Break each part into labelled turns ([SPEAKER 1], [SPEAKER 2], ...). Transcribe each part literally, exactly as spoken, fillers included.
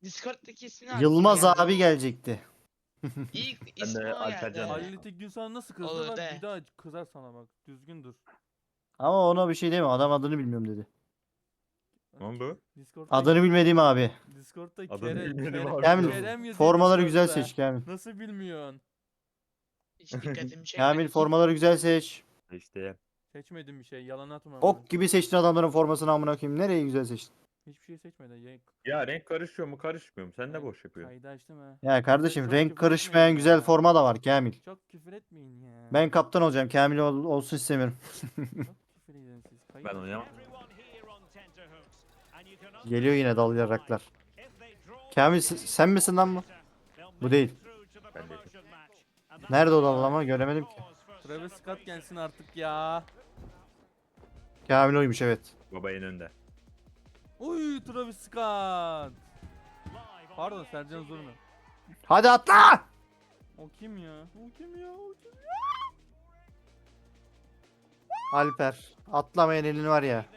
[SPEAKER 1] Discord'daki ismini aklıma
[SPEAKER 2] Yılmaz
[SPEAKER 1] geldi.
[SPEAKER 2] abi gelecekti.
[SPEAKER 1] İlk
[SPEAKER 3] Ben
[SPEAKER 1] ismi
[SPEAKER 3] de
[SPEAKER 1] o
[SPEAKER 3] Alper
[SPEAKER 1] geldi.
[SPEAKER 3] Can
[SPEAKER 4] Halil Tekgün sana nasıl kızdı
[SPEAKER 1] Olur
[SPEAKER 4] bak
[SPEAKER 1] de.
[SPEAKER 4] bir daha kızar sana bak. Düzgün dur.
[SPEAKER 2] Ama ona bir şey deme. Adam adını bilmiyorum dedi.
[SPEAKER 3] Lan bu?
[SPEAKER 4] Discord'da
[SPEAKER 2] Adını bilmediğim abi.
[SPEAKER 4] Discord'da
[SPEAKER 3] Adını
[SPEAKER 4] Kere,
[SPEAKER 3] bilmedim
[SPEAKER 4] Kere,
[SPEAKER 3] abi.
[SPEAKER 2] Kamil
[SPEAKER 4] Kerem yazıyor
[SPEAKER 2] formaları güzel
[SPEAKER 4] Discord'da.
[SPEAKER 2] seç Kamil.
[SPEAKER 4] Nasıl bilmiyorsun?
[SPEAKER 1] Hiç dikkatimi çekmedi.
[SPEAKER 2] Kamil formaları güzel seç.
[SPEAKER 3] İşte
[SPEAKER 4] Seçmedim bir şey. Yalan atma bana.
[SPEAKER 2] Ok gibi seçtin adamların formasını amına koyayım. Nereyi güzel seçtin?
[SPEAKER 4] Hiçbir şey seçmedi. Ya,
[SPEAKER 3] ya renk karışıyor mu karışmıyor mu? Sen
[SPEAKER 4] ben
[SPEAKER 3] ne boş yapıyorsun?
[SPEAKER 4] Kaydı açtım ha.
[SPEAKER 2] Ya kardeşim
[SPEAKER 4] Çok
[SPEAKER 2] renk
[SPEAKER 4] küfür
[SPEAKER 2] karışmayan
[SPEAKER 4] etmeyin
[SPEAKER 2] güzel
[SPEAKER 4] ya.
[SPEAKER 2] forma da var Kamil.
[SPEAKER 4] Çok küfür etmeyin ya.
[SPEAKER 2] Ben kaptan olacağım. Kamil ol- olsun istemiyorum.
[SPEAKER 4] Çok küfür edin siz. Kayıt
[SPEAKER 3] Ben
[SPEAKER 4] açın.
[SPEAKER 3] oynayamam.
[SPEAKER 2] Geliyor yine dalayaraklar. Kamil s- sen misin lan bu? Bu değil.
[SPEAKER 3] Ben de.
[SPEAKER 2] Nerede o dalama göremedim ki.
[SPEAKER 4] Travis Scott gelsin artık ya.
[SPEAKER 2] Kamil oymuş evet.
[SPEAKER 3] Baba en önde.
[SPEAKER 4] Uy Travis Scott. Pardon Sercan Zurna.
[SPEAKER 2] Hadi atla!
[SPEAKER 4] O kim ya? O kim ya? O kim?
[SPEAKER 2] Alper. Atlamayan elin var ya.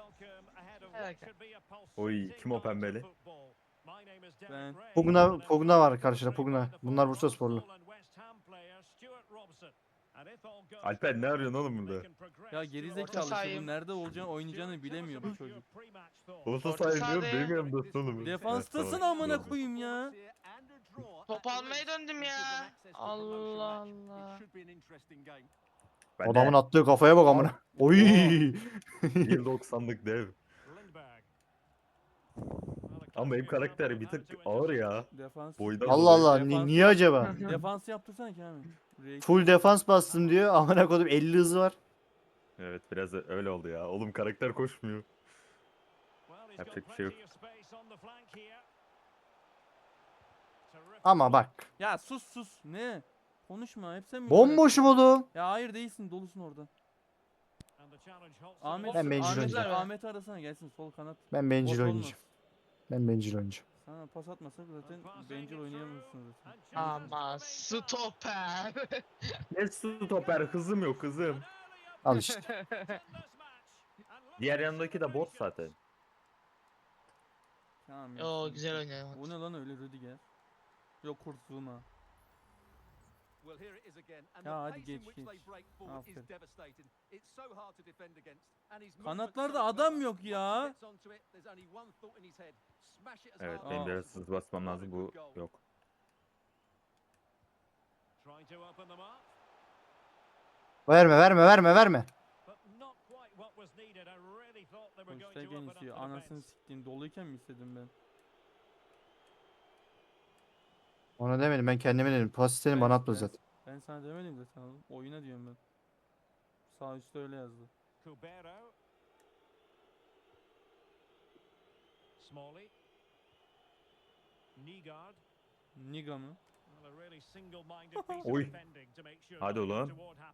[SPEAKER 3] Oy kim o pembeli?
[SPEAKER 4] Ben.
[SPEAKER 2] Pugna, Pugna var karşıda Pugna. Bunlar Bursa sporlu.
[SPEAKER 3] Alper ne arıyorsun oğlum burada?
[SPEAKER 4] Ya gerizekalı işte
[SPEAKER 1] sahayım.
[SPEAKER 4] bu nerede olacağını oynayacağını bilemiyor bu çocuk.
[SPEAKER 3] Orta
[SPEAKER 1] Orta
[SPEAKER 3] sahaya diyorum
[SPEAKER 1] sahadayım.
[SPEAKER 3] benim yanımdasın oğlum.
[SPEAKER 4] Defanstasın
[SPEAKER 3] Evet, tamam.
[SPEAKER 4] amına koyayım ya.
[SPEAKER 1] Top almaya döndüm ya. Allah Allah.
[SPEAKER 3] Ben
[SPEAKER 2] Adamın
[SPEAKER 3] de
[SPEAKER 2] attığı kafaya bak amına. Oy!
[SPEAKER 3] bir doksanlık dev. Ama benim karakter bir tık ağır ya.
[SPEAKER 4] Defans.
[SPEAKER 3] Boydan
[SPEAKER 2] Allah
[SPEAKER 3] dolayı.
[SPEAKER 2] Allah ni- niye acaba?
[SPEAKER 4] Defans yaptırsana Kamil. Reis.
[SPEAKER 2] Full defans bastım diyor. Amına koydum elli hızı var.
[SPEAKER 3] Evet biraz öyle oldu ya. Oğlum karakter koşmuyor. Yapacak bir şey yok.
[SPEAKER 2] Ama bak.
[SPEAKER 4] Ya sus sus. Ne? Konuşma. Hep sen mi?
[SPEAKER 2] Bomboşum oğlum.
[SPEAKER 4] Ya hayır değilsin. Dolusun orada. Ahmet,
[SPEAKER 2] Ben bencil
[SPEAKER 4] Ahmet,
[SPEAKER 2] oynayacağım.
[SPEAKER 4] Ahmet arasana gelsin sol kanat.
[SPEAKER 2] Ben bencil
[SPEAKER 4] Boş
[SPEAKER 2] oynayacağım.
[SPEAKER 4] olmaz.
[SPEAKER 2] Ben bencil oynayacağım.
[SPEAKER 4] Sana pas atmasak zaten bencil oynayamıyorsun zaten.
[SPEAKER 1] Ama stoper.
[SPEAKER 3] Ne stoper hızım yok hızım.
[SPEAKER 2] Al işte.
[SPEAKER 3] Diğer yanındaki de bot zaten.
[SPEAKER 4] Tamam.
[SPEAKER 1] Oo
[SPEAKER 4] yapsın.
[SPEAKER 1] güzel oynuyor.
[SPEAKER 4] O ne lan öyle Rüdiger? Yok kurtulma.
[SPEAKER 5] Ya hadi geç geç.
[SPEAKER 4] Aferin.
[SPEAKER 5] Kanatlarda
[SPEAKER 4] Kanatlarda adam yok ya.
[SPEAKER 3] Evet
[SPEAKER 4] Aa.
[SPEAKER 3] benim biraz hız basmam lazım bu yok.
[SPEAKER 2] Verme verme verme verme.
[SPEAKER 4] Boştayken istiyor. Anasını siktiğin doluyken mi istedim ben?
[SPEAKER 2] Ona demedim ben kendime dedim. Pas istedim
[SPEAKER 4] Ben-
[SPEAKER 2] bana atma
[SPEAKER 4] ben-
[SPEAKER 2] zaten.
[SPEAKER 4] Ben sana demedim zaten oğlum. Oyuna diyorum ben. Sağ üstte öyle yazdı. Niga mı?
[SPEAKER 3] Oy. Hadi ulan.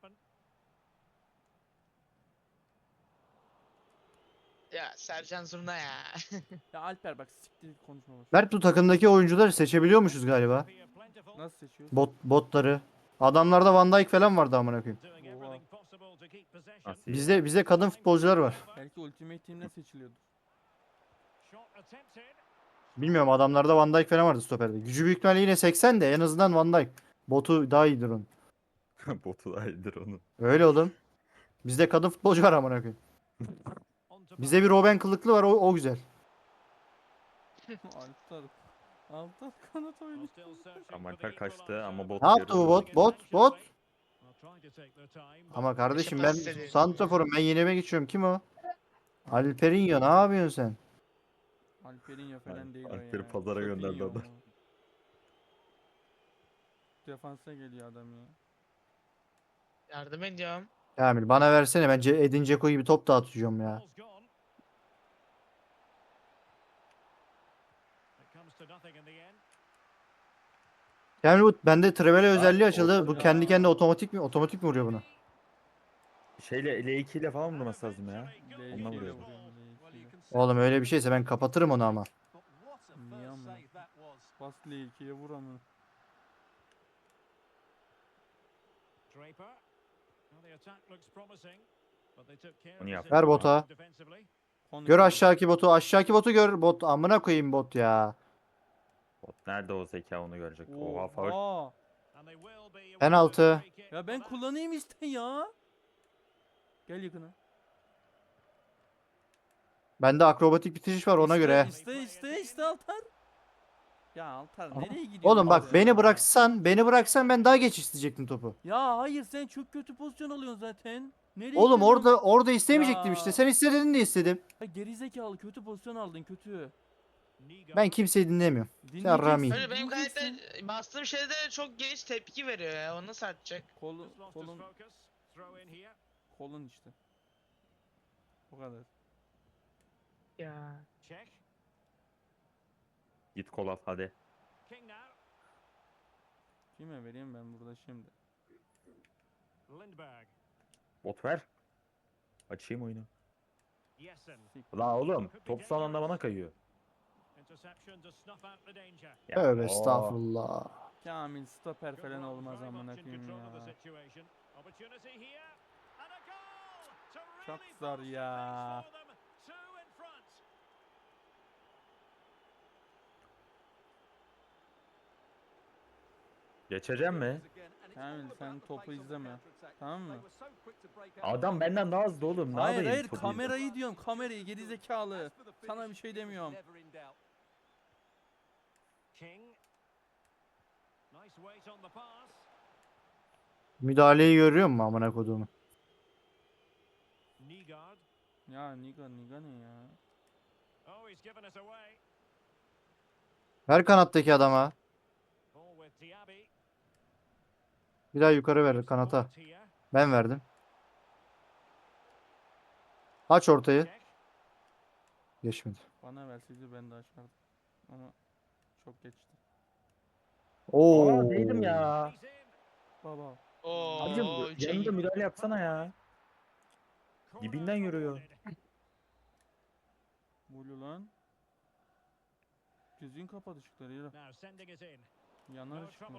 [SPEAKER 1] Ya Sercan Zurna ya.
[SPEAKER 4] Ya Alper bak siktir git konuşma boş.
[SPEAKER 2] Mert bu takımdaki oyuncuları seçebiliyormuşuz galiba.
[SPEAKER 4] Nasıl seçiyorsun?
[SPEAKER 2] Bot botları. Adamlarda Van Dijk falan vardı amına koyayım.
[SPEAKER 4] Oha.
[SPEAKER 3] Nasıl ya?
[SPEAKER 2] Bizde bizde kadın futbolcular var.
[SPEAKER 4] Belki Ultimate Team'de seçiliyordu.
[SPEAKER 2] Bilmiyorum adamlarda Van Dijk falan vardı stoperde. Gücü büyük ihtimalle yine seksen de en azından Van Dijk. Botu daha iyidir onun.
[SPEAKER 3] Botu da iyidir onun.
[SPEAKER 2] Öyle oğlum. Bizde kadın futbolcu var amına koyayım. Bizde bir Robben kılıklı var o, o güzel.
[SPEAKER 4] Alper. Alper kanat oynuyor.
[SPEAKER 3] Ama Alper kaçtı ama bot
[SPEAKER 2] Ne yaptı bu
[SPEAKER 3] yarı-
[SPEAKER 2] bot? Bot bot. Ama kardeşim ben
[SPEAKER 1] pas istedi.
[SPEAKER 2] santraforum ben yenime geçiyorum. Kim o? Alperinho ne yapıyorsun sen?
[SPEAKER 4] Alperinho falan
[SPEAKER 3] Al-
[SPEAKER 4] değil o ya.
[SPEAKER 3] Alper'i pazara
[SPEAKER 4] Çok
[SPEAKER 3] gönderdi
[SPEAKER 4] iyi o.
[SPEAKER 3] adam.
[SPEAKER 4] Defansa geliyor adam ya.
[SPEAKER 1] Yardım ediyorum.
[SPEAKER 2] Kamil bana versene ben Ce- Edin Dzeko gibi top dağıtıyorum ya. Kamil bu bende Trivela özelliği açıldı. Bu
[SPEAKER 3] ortada.
[SPEAKER 2] kendi kendine otomatik mi? Otomatik mi vuruyor bunu?
[SPEAKER 3] Şeyle L iki ile falan vurması lazım ya.
[SPEAKER 4] L iki
[SPEAKER 3] Ondan
[SPEAKER 4] ile
[SPEAKER 3] vuruyorum.
[SPEAKER 4] vuruyor, L iki ile.
[SPEAKER 2] Oğlum öyle bir şeyse ben kapatırım onu ama.
[SPEAKER 4] Niye ama? Bas L ikiye vur ama.
[SPEAKER 3] Onu yap.
[SPEAKER 2] Ver bota.
[SPEAKER 4] Konuş
[SPEAKER 2] Gör
[SPEAKER 4] abi.
[SPEAKER 2] aşağıki botu. Aşağıki botu gör. Bot amına koyayım bot ya.
[SPEAKER 3] Bot nerede o zeka onu görecek. Oha faul.
[SPEAKER 4] Oha.
[SPEAKER 2] Penaltı.
[SPEAKER 4] Ya ben kullanayım işte ya. Gel yakına.
[SPEAKER 2] Bende akrobatik bitiriş var ona
[SPEAKER 4] İste,
[SPEAKER 2] göre.
[SPEAKER 4] İste iste iste Altar. Ya Altar nereye gidiyorsun?
[SPEAKER 2] Oğlum bak
[SPEAKER 4] ya?
[SPEAKER 2] beni bıraksan, beni bıraksan ben daha geç isteyecektim topu.
[SPEAKER 4] Ya hayır sen çok kötü pozisyon alıyorsun zaten. Nereye
[SPEAKER 2] Oğlum
[SPEAKER 4] gidiyorsun?
[SPEAKER 2] orada orada istemeyecektim işte.
[SPEAKER 4] Ya.
[SPEAKER 2] Sen istedin de istedim.
[SPEAKER 4] Ya gerizekalı kötü pozisyon aldın kötü.
[SPEAKER 2] Ben kimseyi dinlemiyorum.
[SPEAKER 4] Dinleyeceksin.
[SPEAKER 2] Rami.
[SPEAKER 1] Öyle benim karakter
[SPEAKER 4] dinleyeceksin.
[SPEAKER 1] bastığım şeyde çok geç tepki veriyor ya. Onu nasıl atacak?
[SPEAKER 4] Kolun, kolun, kolun işte. O kadar.
[SPEAKER 1] Ya.
[SPEAKER 3] Git kol al hadi.
[SPEAKER 4] Kime vereyim ben burada şimdi?
[SPEAKER 3] Bot ver. Açayım oyunu.
[SPEAKER 4] Sik.
[SPEAKER 3] La oğlum top son anda bana kayıyor. Ya,
[SPEAKER 2] Tövbe
[SPEAKER 3] oo.
[SPEAKER 2] estağfurullah.
[SPEAKER 4] Kamil stoper falan olmaz amına koyayım ya. Çok zor ya.
[SPEAKER 3] Geçeceğim mi?
[SPEAKER 4] Kamil sen topu izleme. Tamam mı?
[SPEAKER 3] Adam benden daha hızlı oğlum. Ne
[SPEAKER 4] Hayır
[SPEAKER 3] yapayım
[SPEAKER 4] hayır
[SPEAKER 3] topu
[SPEAKER 4] kamerayı diyorum kamerayı gerizekalı. Sana bir şey demiyorum.
[SPEAKER 2] Müdahaleyi görüyor musun amına koduğumu?
[SPEAKER 4] Ya Niga Niga ne ya?
[SPEAKER 2] Ver kanattaki adama. Bir daha yukarı ver kanata. Ben verdim. Aç ortayı. Geçmedi.
[SPEAKER 4] Bana verseydi ben de açardım. Ama çok geçti.
[SPEAKER 2] Oo.
[SPEAKER 3] Aa değdim ya.
[SPEAKER 4] Baba.
[SPEAKER 3] Abicim
[SPEAKER 1] Oo, üçe
[SPEAKER 3] yanında
[SPEAKER 1] gitti.
[SPEAKER 3] müdahale yapsana ya. Dibinden yürüyor.
[SPEAKER 4] Bulu lan. Gözün kapadı ışıkları yürü. Yanar ışıklar.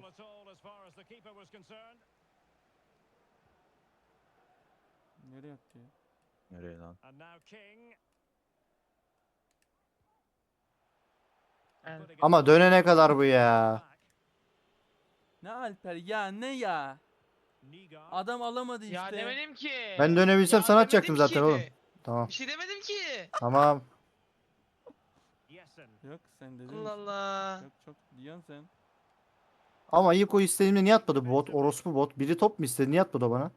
[SPEAKER 4] Nereye attı ya?
[SPEAKER 3] Nereye lan?
[SPEAKER 1] Ben-
[SPEAKER 2] Ama dönene kadar bu ya.
[SPEAKER 4] Ne Alper ya ne ya? Adam alamadı işte.
[SPEAKER 1] Ya demedim ki.
[SPEAKER 2] Ben dönebilsem
[SPEAKER 1] Ya
[SPEAKER 2] sana
[SPEAKER 1] demedim
[SPEAKER 2] atacaktım zaten
[SPEAKER 1] ki.
[SPEAKER 2] oğlum. Tamam.
[SPEAKER 1] Bir şey demedim ki.
[SPEAKER 2] Tamam.
[SPEAKER 4] Yok sen dedin.
[SPEAKER 1] Allah Allah.
[SPEAKER 4] Yok çok diyorsun sen.
[SPEAKER 2] Ama ilk o istediğimde niye atmadı bu bot? Orospu bot. Biri top mu istedi? Niye atmadı o bana?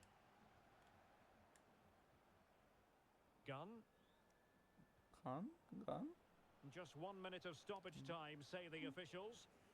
[SPEAKER 4] Kan? Kan?
[SPEAKER 5] Just one minute of stoppage time, say the officials.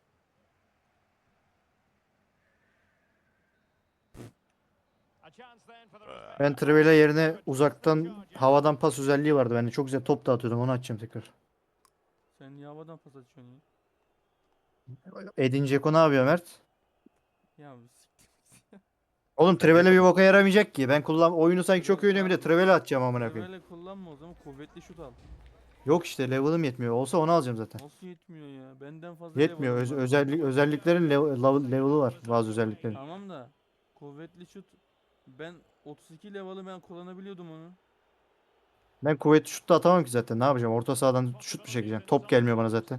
[SPEAKER 5] A chance then for the respective
[SPEAKER 2] Ben Trivela yerine
[SPEAKER 5] players.
[SPEAKER 2] uzaktan havadan pas özelliği vardı. Ben de çok güzel top dağıtıyordum. Onu açacağım tekrar.
[SPEAKER 4] Sen niye havadan pas atıyorsun ya?
[SPEAKER 2] Edin Dzeko ne yapıyor Mert?
[SPEAKER 4] Ya siktir.
[SPEAKER 2] Oğlum Trivela bir boka yaramayacak ki. Ben kullan oyunu sanki çok iyi oynuyorum bir de Trivela atacağım amına koyayım.
[SPEAKER 4] Böyle kullanma o zaman kuvvetli şut al.
[SPEAKER 2] Yok işte level'ım yetmiyor. Olsa onu alacağım zaten.
[SPEAKER 4] Nasıl yetmiyor ya? Benden fazla
[SPEAKER 2] Yetmiyor.
[SPEAKER 4] level'ım
[SPEAKER 2] Öz-
[SPEAKER 4] var.
[SPEAKER 2] özellik özelliklerin level, level- level'ı var. Bazı özelliklerin.
[SPEAKER 4] Tamam da kuvvetli şut ben otuz iki level'ı ben kullanabiliyordum onu.
[SPEAKER 2] Ben kuvvetli şut da atamam ki zaten. Ne yapacağım? Orta sahadan şut mu çekeceğim? Top gelmiyor bana zaten.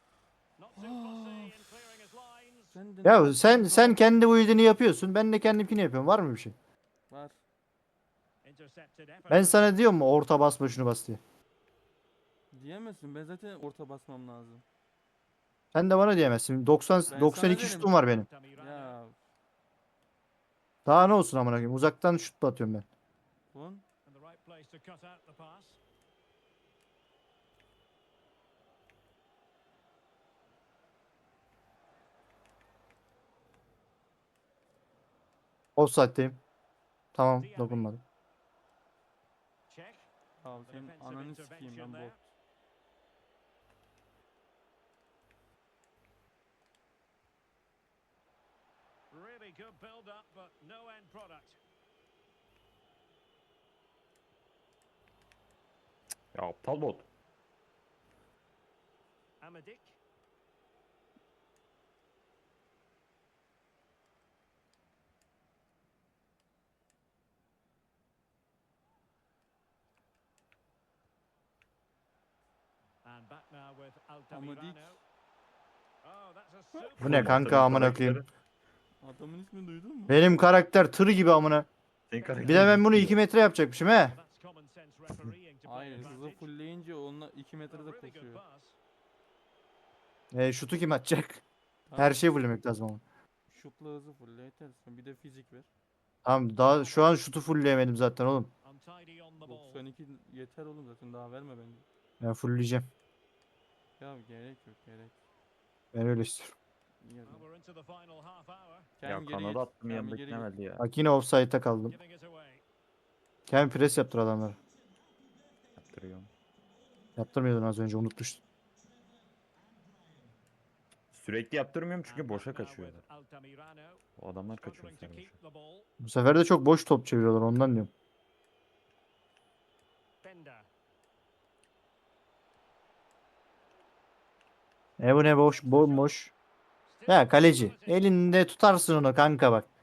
[SPEAKER 4] Sen de
[SPEAKER 2] Ya sen sen kendi build'ini yapıyorsun. Ben de kendimkini yapıyorum. Var mı bir şey?
[SPEAKER 4] var.
[SPEAKER 2] Ben sana diyorum mu orta basma şunu bas diye.
[SPEAKER 4] Diyemezsin. Ben zaten orta basmam lazım.
[SPEAKER 2] Sen de bana diyemezsin. doksan
[SPEAKER 4] Ben
[SPEAKER 2] doksan iki
[SPEAKER 4] sana derim.
[SPEAKER 2] şutum var benim.
[SPEAKER 4] Ya
[SPEAKER 2] Daha ne olsun amına koyayım? Uzaktan şut da atıyorum ben.
[SPEAKER 4] Kon.
[SPEAKER 5] And the right place to cut out the pass.
[SPEAKER 2] Offside'deyim. Tamam dokunmadım.
[SPEAKER 5] Check.
[SPEAKER 4] Abi senin ananı sikeyim ben bot.
[SPEAKER 5] Really good build up, but no end product.
[SPEAKER 3] Ya aptal bot.
[SPEAKER 5] Amadik. And back now with
[SPEAKER 4] Amadik.
[SPEAKER 5] Altamirano.
[SPEAKER 2] Bu ne kanka amına koyayım.
[SPEAKER 4] Adamın ismini duydun mu?
[SPEAKER 2] Benim karakter tır gibi amına.
[SPEAKER 3] Senin karakter
[SPEAKER 2] Bir de ben bunu
[SPEAKER 3] gitti
[SPEAKER 2] iki
[SPEAKER 3] ya.
[SPEAKER 2] metre yapacakmışım he.
[SPEAKER 4] Hayır, hızı fullleyince onunla iki metrede koşuyor.
[SPEAKER 2] E, şutu kim atacak?
[SPEAKER 4] Tamam,
[SPEAKER 2] Her şeyi fulllemek lazım ama.
[SPEAKER 4] şutla hızı fulle yeter. Bir de fizik ver.
[SPEAKER 2] Tamam daha şu an şutu fullleyemedim zaten oğlum.
[SPEAKER 4] doksan iki yeter oğlum, zaten daha verme bence.
[SPEAKER 2] Ben fullleyeceğim.
[SPEAKER 4] Ya gerek yok, gerek.
[SPEAKER 2] Ben öyle istiyorum.
[SPEAKER 4] İyi o zaman.
[SPEAKER 3] Ya
[SPEAKER 4] Kendi geri
[SPEAKER 3] kanada
[SPEAKER 4] git,
[SPEAKER 3] attım
[SPEAKER 4] kendi
[SPEAKER 3] yanında
[SPEAKER 4] geri git.
[SPEAKER 3] gitmedi ya.
[SPEAKER 2] Bak yine offside'ta kaldım. Kendi pres yaptır adamları.
[SPEAKER 3] Yaptırıyorum.
[SPEAKER 2] Yaptırmıyordun az önce unutmuştun.
[SPEAKER 3] Sürekli yaptırmıyorum çünkü boşa kaçıyorlar. O adamlar kaçıyor bu sefer boşa.
[SPEAKER 2] Bu sefer de çok boş top çeviriyorlar ondan diyorum. E bu ne boş bomboş. Ya kaleci elinde tutarsın onu kanka bak.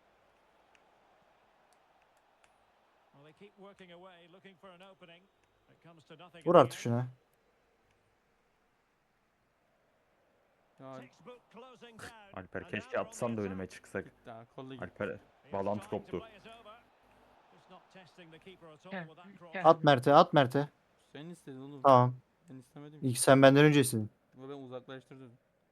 [SPEAKER 2] Vur artık şuna.
[SPEAKER 4] Ya
[SPEAKER 3] Alper keşke atsan da önüme çıksak.
[SPEAKER 4] git daha, kolla git.
[SPEAKER 3] Alper bağlantı koptu.
[SPEAKER 2] At Mert'e at Mert'e.
[SPEAKER 4] Sen istedin oğlum.
[SPEAKER 2] Tamam.
[SPEAKER 4] Ben istemedim ki.
[SPEAKER 2] İlk sen benden öncesin.
[SPEAKER 4] Ama ben uzaklaştırdım.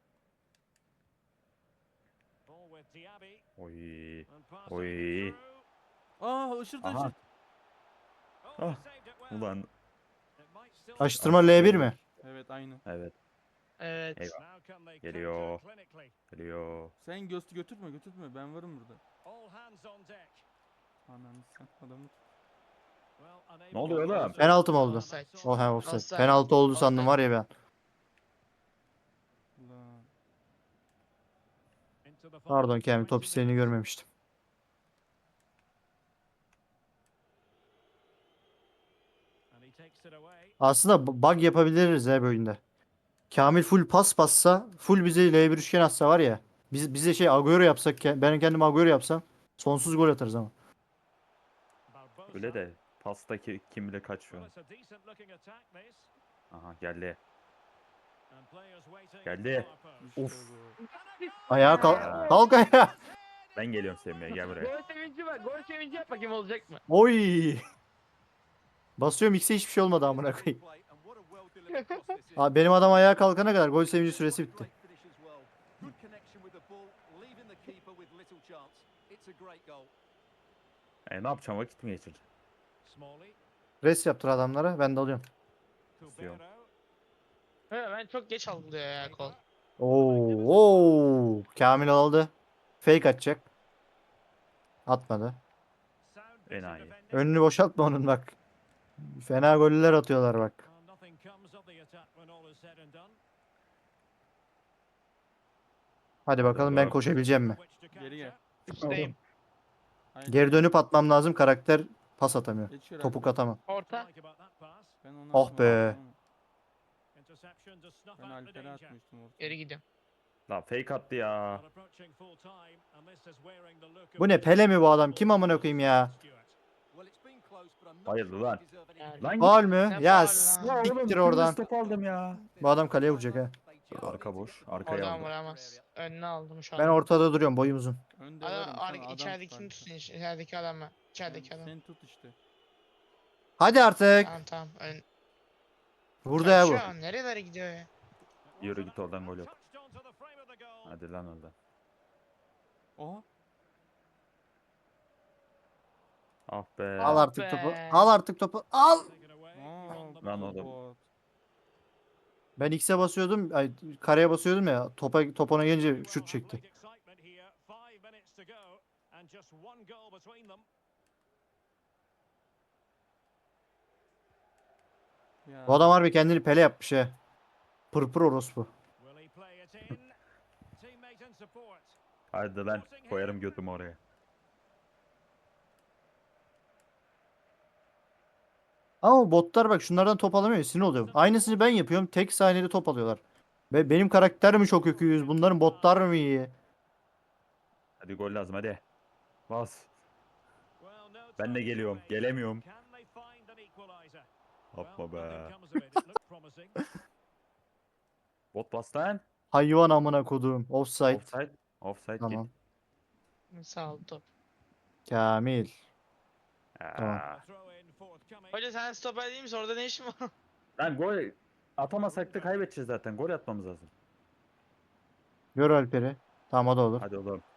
[SPEAKER 3] Oy. Oy.
[SPEAKER 4] Aa, ışırdı
[SPEAKER 3] Aha.
[SPEAKER 4] ışırt.
[SPEAKER 3] Ah. Ulan.
[SPEAKER 2] Açtırma L bir mi?
[SPEAKER 4] Evet, aynı.
[SPEAKER 3] Evet.
[SPEAKER 1] Evet.
[SPEAKER 3] Eyvah. Geliyor. Geliyor.
[SPEAKER 4] Sen göz götürme götürme, ben varım burada. Ananı sen adamı.
[SPEAKER 3] Ne oluyor oğlum?
[SPEAKER 2] Penaltı mı oldu?
[SPEAKER 1] Offside.
[SPEAKER 2] O he offside.
[SPEAKER 1] Offside.
[SPEAKER 2] Penaltı oldu sandım var ya ben.
[SPEAKER 4] Ulan.
[SPEAKER 2] Pardon Kamil top isteğini görmemiştim. Aslında bu- bug yapabiliriz he bu oyunda. Kamil full pas passa, full bize L bir üçgen atsa var ya. Biz bize şey Agüero yapsak, ke- ben kendim Agüero yapsam sonsuz gol atarız ama.
[SPEAKER 3] Öyle de pastaki kim bile kaç şu an. Aha geldi. Geldi.
[SPEAKER 4] İşte
[SPEAKER 3] Of.
[SPEAKER 4] bu.
[SPEAKER 2] Ayağa kalk. Kalk ayağa.
[SPEAKER 3] Ben geliyorum sevmeye gel buraya.
[SPEAKER 1] Gol sevinci var. Gol sevinci yap bakayım olacak mı?
[SPEAKER 2] Oy. Basıyorum X'e hiçbir şey olmadı amına koyayım. Abi benim adam ayağa kalkana kadar gol sevinci süresi bitti.
[SPEAKER 3] E ne yapacağım vakit mi geçireceğim?
[SPEAKER 2] Res yaptır adamlara ben de alıyorum.
[SPEAKER 3] İstiyorum.
[SPEAKER 1] Evet, ben çok geç algılıyor ya kol.
[SPEAKER 2] Oo, oo. Kamil aldı. Fake atacak. Atmadı.
[SPEAKER 3] Enayi.
[SPEAKER 2] Önünü boşaltma onun bak. Fena goller atıyorlar bak. Hadi bakalım ben
[SPEAKER 3] Bak.
[SPEAKER 2] koşabileceğim mi?
[SPEAKER 4] Geri gel.
[SPEAKER 1] Üstteyim.
[SPEAKER 4] Hayır.
[SPEAKER 2] Geri dönüp atmam lazım. Karakter pas atamıyor.
[SPEAKER 4] Geç şuraya.
[SPEAKER 2] Topuk atamam.
[SPEAKER 1] Orta.
[SPEAKER 4] Ben onu
[SPEAKER 2] Oh
[SPEAKER 4] atmadım
[SPEAKER 2] be.
[SPEAKER 4] ama Ben Alper'e atmıştım orta.
[SPEAKER 1] Geri gidiyorum.
[SPEAKER 3] La fake attı ya.
[SPEAKER 2] Bu ne Pele mi bu adam? Kim amına koyayım ya?
[SPEAKER 3] Hayırdır lan?
[SPEAKER 1] Yani.
[SPEAKER 3] Lan
[SPEAKER 2] Faul mü?
[SPEAKER 1] Ne
[SPEAKER 2] Ya
[SPEAKER 1] faul lan?
[SPEAKER 2] siktir oradan.
[SPEAKER 3] Top aldım ya.
[SPEAKER 2] Bu adam kaleye vuracak ha.
[SPEAKER 3] Arka boş. Arkaya
[SPEAKER 1] Oradan
[SPEAKER 3] aldım.
[SPEAKER 1] vuramaz. Önüne aldım şu an.
[SPEAKER 2] Ben ortada duruyorum boyum uzun.
[SPEAKER 4] Önde
[SPEAKER 1] Adam,
[SPEAKER 4] varım, sen
[SPEAKER 1] ar-
[SPEAKER 4] adam
[SPEAKER 1] içeridekini
[SPEAKER 4] tut
[SPEAKER 1] tutun. iç- İçerideki adamı. İçerideki
[SPEAKER 4] Sen,
[SPEAKER 1] adam.
[SPEAKER 4] sen tut işte.
[SPEAKER 2] Hadi artık.
[SPEAKER 1] Tamam tamam. Ön...
[SPEAKER 2] Burada ya bu.
[SPEAKER 1] Şu an nerelere gidiyor ya?
[SPEAKER 3] Yürü git oradan gol yok. Hadi lan oradan.
[SPEAKER 4] Oha.
[SPEAKER 3] Ah be.
[SPEAKER 2] Al
[SPEAKER 1] Ah
[SPEAKER 2] artık
[SPEAKER 1] be.
[SPEAKER 2] topu. Al artık topu. Al.
[SPEAKER 4] Aa,
[SPEAKER 3] Lan oğlum.
[SPEAKER 4] bot.
[SPEAKER 2] Ben X'e basıyordum. Ay, kareye basıyordum ya. Topa topona gelince şut çekti.
[SPEAKER 4] Ya.
[SPEAKER 2] Bu adam harbi kendini Pele yapmış he. Pırpır orospu.
[SPEAKER 3] Hadi lan koyarım götümü oraya.
[SPEAKER 2] Ama botlar bak şunlardan top alamıyor. Sinir oluyor. Aynısını ben yapıyorum. Tek saniyede top alıyorlar. Ve benim karakter mi çok öküyüz? Bunların botlar mı iyi?
[SPEAKER 3] Hadi gol lazım hadi. Bas. Ben de geliyorum. Gelemiyorum. Yapma be. Bot bas lan.
[SPEAKER 2] Hayvan amına koduğum. Offside.
[SPEAKER 3] Offside. Offside
[SPEAKER 2] Tamam.
[SPEAKER 3] git.
[SPEAKER 1] Sağ ol top.
[SPEAKER 2] Kamil.
[SPEAKER 3] Aa,
[SPEAKER 2] Tamam.
[SPEAKER 5] Throw in forthcoming.
[SPEAKER 1] Hoca sen stoper değil misin? Orada ne işin var?
[SPEAKER 3] Lan gol atamasak da kaybedeceğiz zaten. Gol atmamız lazım.
[SPEAKER 2] Gör Alper'i. Tamam o da olur.
[SPEAKER 3] Hadi oğlum.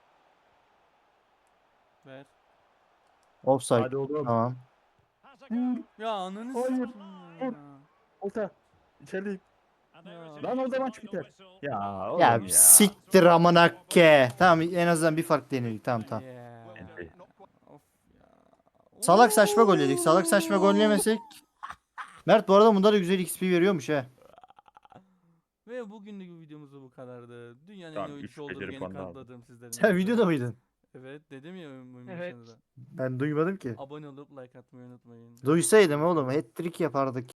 [SPEAKER 4] Ver.
[SPEAKER 2] Offside.
[SPEAKER 3] Hadi oğlum.
[SPEAKER 2] Tamam.
[SPEAKER 5] Has a go.
[SPEAKER 4] Ya ananı
[SPEAKER 3] Hayır.
[SPEAKER 4] sikeyim ya.
[SPEAKER 3] Orta. İçerideyim.
[SPEAKER 5] And there is
[SPEAKER 4] Ya.
[SPEAKER 5] a
[SPEAKER 3] Lan orada
[SPEAKER 5] final
[SPEAKER 3] maç biter.
[SPEAKER 5] whistle.
[SPEAKER 3] Ya oğlum
[SPEAKER 2] Ya
[SPEAKER 3] ya.
[SPEAKER 2] siktir amına ke. Tamam en azından bir fark denedik. Tamam tamam.
[SPEAKER 4] Yeah.
[SPEAKER 3] Enti.
[SPEAKER 4] Of ya.
[SPEAKER 2] Salak saçma gol yedik. Salak saçma gol yemesek. Mert bu arada bunda da güzel X P veriyormuş he.
[SPEAKER 4] Ve bugünlük videomuz da bu kadardı. Dünyanın
[SPEAKER 3] Tamam,
[SPEAKER 4] en iyi
[SPEAKER 3] üç
[SPEAKER 4] oyuncusu olduğumu
[SPEAKER 3] beceri
[SPEAKER 4] yeni
[SPEAKER 3] puanı aldım.
[SPEAKER 4] kanıtladım sizlerin.
[SPEAKER 2] Sen
[SPEAKER 4] önünde.
[SPEAKER 2] videoda mıydın?
[SPEAKER 4] Evet dedim ya oyun
[SPEAKER 1] Evet.
[SPEAKER 4] başında da.
[SPEAKER 2] Ben duymadım ki.
[SPEAKER 4] Abone olup like atmayı unutmayın.
[SPEAKER 2] Duysaydım oğlum hat-trick yapardık.